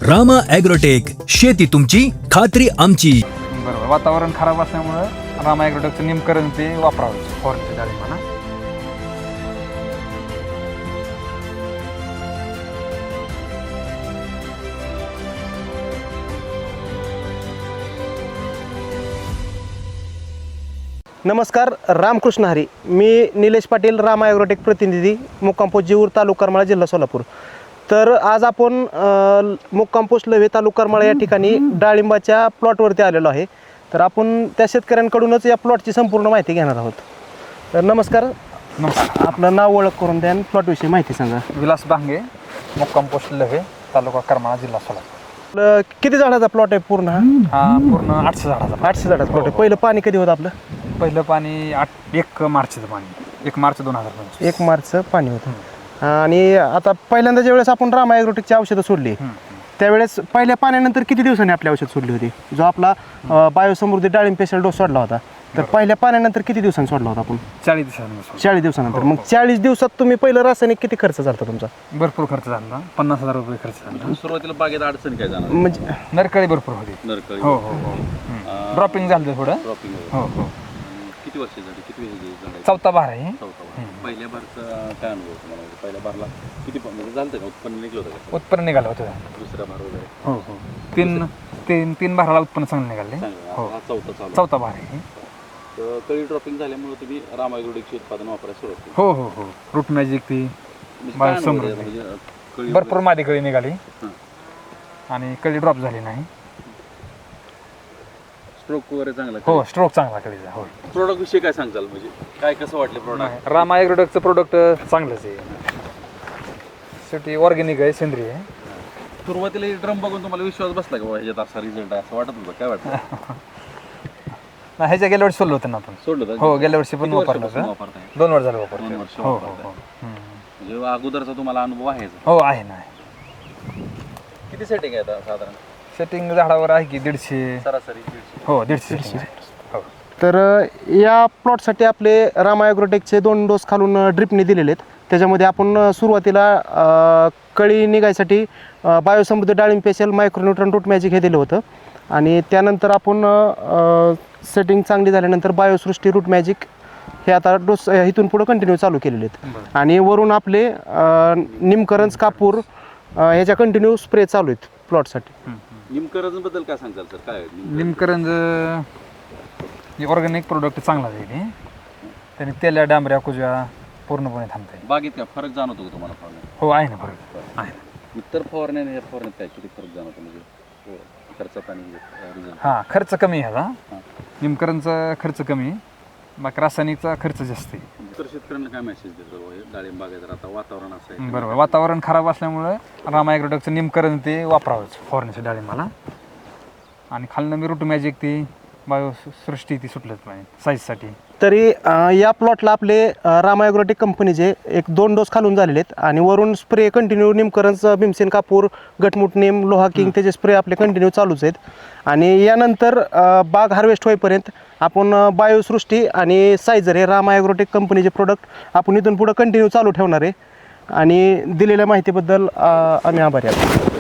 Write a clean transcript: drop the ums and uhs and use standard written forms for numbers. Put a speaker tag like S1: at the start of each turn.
S1: Rama agrotech, शेती तुमची खात्री आमची.
S2: बरोबर. वातावरण खराब असल्यामुळं रामा ॲग्रोटेकचं निमकरण ते वापरावं फवारणीच्या डाळिंबाला.
S3: नमस्कार, रामकृष्ण हरी. मी निलेश पाटील, रामा ॲग्रोटेक प्रतिनिधी, मुक्काम पोस्ट जीऊर, तालुका करमाळा, जिल्हा सोलापूर. तर आज आपण मुक्काम पोस्ट लव्हे, तालुका करमाळा या ठिकाणी डाळिंबाच्या प्लॉटवरती आलेलो आहे. तर आपण त्या शेतकऱ्यांकडूनच या प्लॉटची संपूर्ण माहिती घेणार आहोत. तर नमस्कार. आपलं नाव, ओळख करून द्या आणि प्लॉटविषयी माहिती सांगा.
S2: विलास भांगे, मुक्काम पोस्ट लव्हे, तालुका करमाळा, जिल्हा सोलापूर.
S3: किती झाडाचा प्लॉट आहे पूर्ण?
S2: हा पूर्ण 800 झाडाचा.
S3: 800 झाडाचा प्लॉट आहे. पहिलं पाणी कधी होतं आपलं?
S2: पहिलं पाणी 1 मार्चचं पाणी, 1 मार्च 2025.
S3: 1 मार्चचं पाणी होतं. आणि आता पहिल्यांदा ज्यावेळेस आपण रामा ॲग्रोटेकची औषधं सोडली, त्यावेळेस पहिल्या पाण्यानंतर किती दिवसांनी आपली औषध सोडली होती? जो आपला बायोसमृद्धी डाळिंब स्पेशल डोस सोडला होता, तर पहिल्या पाण्यानंतर किती दिवसांनी सोडला होता आपण?
S2: 40 दिवसांनी.
S3: 40 दिवसानंतर. मग 40 दिवसात तुम्ही पहिलं रासायनिक किती खर्च झाला तुमचा?
S2: भरपूर खर्च झाला, 50,000 रुपये खर्च झाला.
S4: सुरुवातीला बागेत अडचण काय जाणार?
S3: म्हणजे
S2: नरकळी भरपूर होती.
S4: नरकळी.
S2: हो हो हो. ड्रॉपिंग झालं थोडं.
S4: ड्रॉपिंग.
S2: हो हो.
S4: किती वर्ष झाली? किती झाली?
S2: चौथा बार आहे.
S4: चौथा बार. पहिल्या बारचा काय अनुभव तुम्हाला? म्हणजे पहिल्या बारला किती म्हणजे झालं का? उत्पन्न निघलं होतं का?
S2: उत्पन्न निघालं होतं.
S4: दुसरा बार वगैरे?
S2: हो हो. तीन बाराला उत्पन्न चांगलं निघाले.
S4: चांगलं. हा चौथा चालू.
S2: चौथा बार आहे.
S4: तर कळी ड्रॉपिंग झाल्यामुळे तुम्ही रामा ॲग्रोटेकचे उत्पादन वापरायला सुरुवात केली.
S2: हो हो हो. रूट मॅजिक ती
S4: म्हणजे काय अनुभव आहे? म्हणजे कळी
S2: भरपूर मादी कळी निघाली आणि कळी ड्रॉप झाली नाही.
S4: स्ट्रोक वगैरे चांगला?
S2: हो, स्ट्रोक चांगला कळीचा. हो.
S4: प्रोडक्ट विषयी काय सांगचाल? म्हणजे काय कसं वाटलं प्रोडक्ट?
S2: रामा ॲग्रोटेकचं प्रोडक्ट चांगलंच आहे. शेवटी ऑर्गॅनिक आहे, सेंद्रिय आहे.
S4: सुरुवातीला ड्रम बघून तुम्हाला विश्वास बसला का बाबा ह्याच्यात असा रिझल्ट आहे असं वाटत होतं? काय वाटतं?
S2: नाही, ह्याच्या गेल्या वर्षी सोडलं होतं ना आपण.
S4: सोडलं होतं?
S2: हो, गेल्या वर्षी पण
S4: किती
S2: वापरलं
S4: वर्षापासून
S2: होतं.
S4: वापरताय?
S2: 2 वर्ष झालं वापरतो.
S4: 2 वर्ष
S2: हो हो
S4: वापरताय.
S2: हो.
S4: म्हणजे अगोदरचा तुम्हाला अनुभव आहे?
S2: हो आहे ना.
S4: किती सेटिंग आहे आता साधारण?
S2: सेटिंग झाडावर आहे की 150.
S4: सरासरी 150.
S2: हो, 150. हो.
S3: तर या प्लॉटसाठी आपले रामा ॲग्रोटेकचे 2 डोस खालून ड्रिपने दिलेले आहेत. त्याच्यामध्ये आपण सुरुवातीला कळी निघायसाठी बायोसमृद्धी डाळिंब स्पेशल, मायक्रोन्यूट्रन, रूट मॅजिक हे दिलं होतं. आणि त्यानंतर आपण सेटिंग चांगली झाल्यानंतर बायोसृष्टी, रूट मॅजिक हे आता डोस इथून पुढं कंटिन्यू चालू केलेले आहेत. आणि वरून आपले निमकरंज, कापूर ह्याच्या कंटिन्यू स्प्रे चालू आहेत प्लॉटसाठी.
S4: निमकरंजबद्दल काय सांगताल सर? काय
S2: निमकरंज ऑर्गॅनिक प्रोडक्ट चांगला आहे. त्याने तेल्या, डांबऱ्या, कुजव्या पूर्णपणे थांबते.
S4: बागेत काय फरक जाणवतो का तुम्हाला फवारण्यात?
S2: हो आहे ना, फरक आहे.
S4: इतर फवारण्याने या फवारण्यात काय किती फरक जाणवतो? म्हणजे खर्चात आणि रिझल्ट?
S2: हां, खर्च कमी आहे ह्याचा. निमकरंजचा खर्च कमी आहे, बाकी रासायनिकचा खर्च जास्त आहे.
S4: तर शेतकऱ्यांना काय मेसेज देतो? डाळिंब बागेत आता वातावरण असं आहे.
S2: बरोबर. वातावरण खराब असल्यामुळं रामा ॲग्रोटेकचं निमकरण ते वापरावंच फवारण्याच्या डाळिंबाला. आणि खालनं मी रूट मॅजिक ती बायोसृष्टी ती सुटलंच पाहिजे साईजसाठी.
S3: तरी या प्लॉटला आपले रामा ॲग्रोटेक कंपनीचे 1-2 डोस खालून झालेले आहेत. आणि वरून स्प्रे कंटिन्यू निमकरंज, भीमसेन, कापूर, गटमुट, नेम, लोहा किंग त्याचे स्प्रे आपले कंटिन्यू चालूच आहेत. आणि यानंतर बाग हार्वेस्ट होईपर्यंत आपण बायोसृष्टी आणि सायझर हे रामा ॲग्रोटेक कंपनीचे प्रोडक्ट आपण इथून पुढं कंटिन्यू चालू ठेवणार आहे. आणि दिलेल्या माहितीबद्दल आम्ही आभारी आहोत.